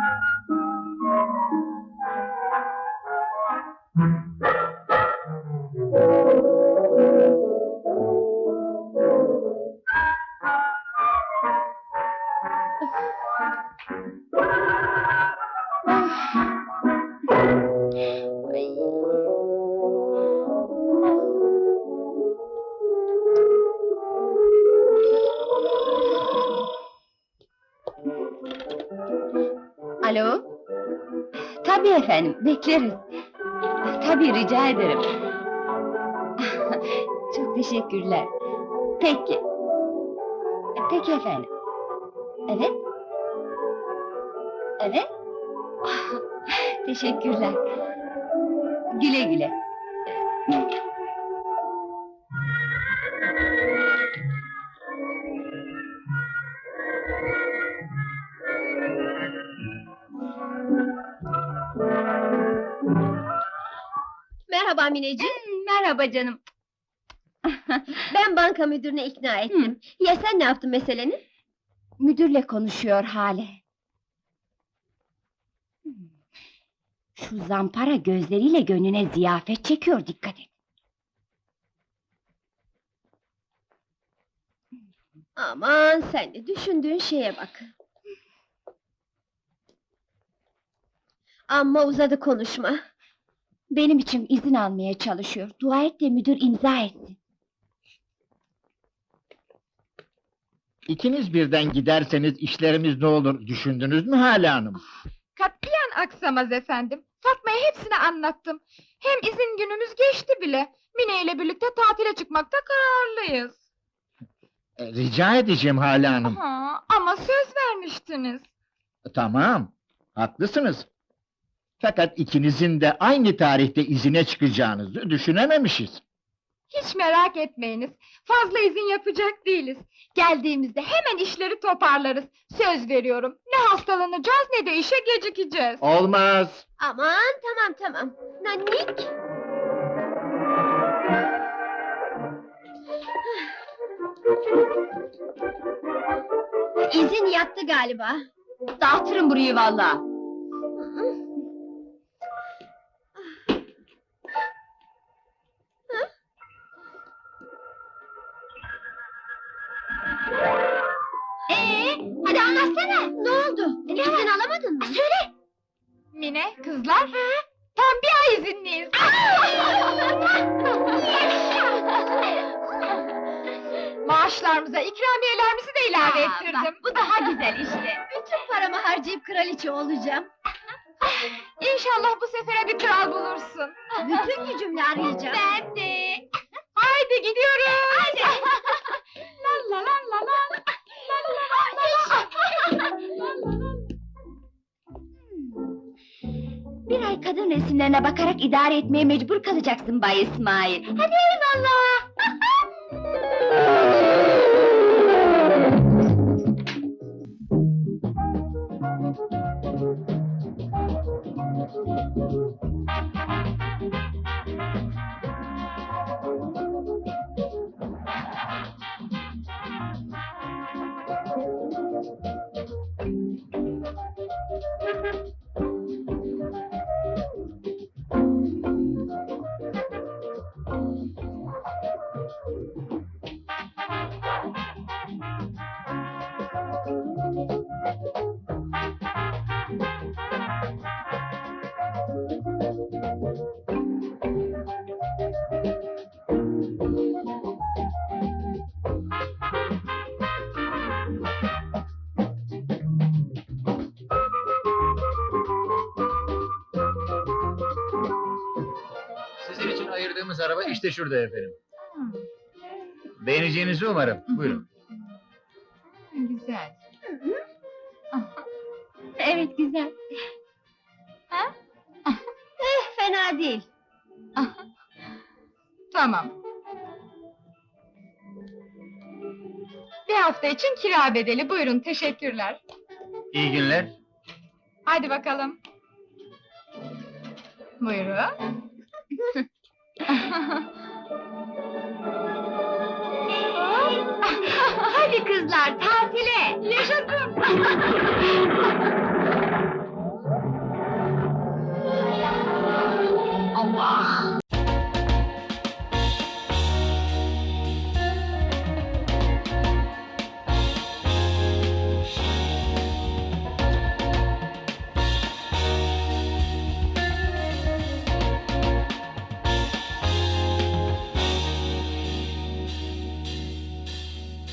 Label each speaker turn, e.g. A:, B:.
A: Alo? Tabii efendim, bekleriz. Tabii, rica ederim. Çok teşekkürler. Peki. Peki efendim. Evet? Evet? Teşekkürler. Güle güle.
B: Merhaba Mineciğim.
A: Merhaba canım.
B: Ben banka müdürüne ikna ettim. Ya sen ne yaptın meselenin?
A: Müdürle konuşuyor Hale. Şu zampara gözleriyle gönlüne ziyafet çekiyor, dikkat et.
B: Aman sen de düşündüğün şeye bak. Amma uzadı konuşma.
A: Benim için izin almaya çalışıyor. Dua et de müdür imza etsin.
C: İkiniz birden giderseniz işlerimiz ne olur düşündünüz mü Hale Hanım?
D: Katiyen aksamaz efendim. Fatma'ya hepsini anlattım. Hem izin günümüz geçti bile. Mine ile birlikte tatile çıkmakta kararlıyız.
C: Rica edeceğim Hale Hanım.
D: Ama söz vermiştiniz.
C: Tamam, haklısınız. Fakat ikinizin de aynı tarihte izine çıkacağınızı düşünememişiz.
D: Hiç merak etmeyiniz. Fazla izin yapacak değiliz. Geldiğimizde hemen işleri toparlarız. Söz veriyorum. Ne hastalanacağız ne de işe gecikeceğiz.
C: Olmaz.
B: Aman tamam. Nanik. İzin yattı galiba.
A: Dağıtırım burayı vallahi.
B: Hadi anlatsana. Ne oldu? İzin alamadın mı?
D: Söyle! Mine, kızlar, tam bir ay izinliyiz. Maaşlarımıza ikramiyelerimizi de ilave ettirdim.
A: Bu daha güzel işte.
B: Bütün paramı harcayıp kraliçe olacağım.
D: İnşallah bu sefere bir kral bulursun.
B: Bütün gücümle arayacağım.
D: Ben de. Haydi gidiyoruz. Haydi. La la la la la. La la la la la.
A: Bir ay kadın resimlerine bakarak idare etmeye mecbur kalacaksın Bay İsmail. Hadi eyvallah.
E: Sizin için ayırdığımız araba işte şurada efendim. Beğeneceğinizi umarım. Buyurun.
D: Güzel.
A: Evet, güzel.
B: Fena değil.
D: Tamam. Bir hafta için kira bedeli. Buyurun, teşekkürler.
E: İyi günler.
D: Hadi bakalım. Buyurun.
A: Hadi kızlar, tatile!
D: Yaşasın!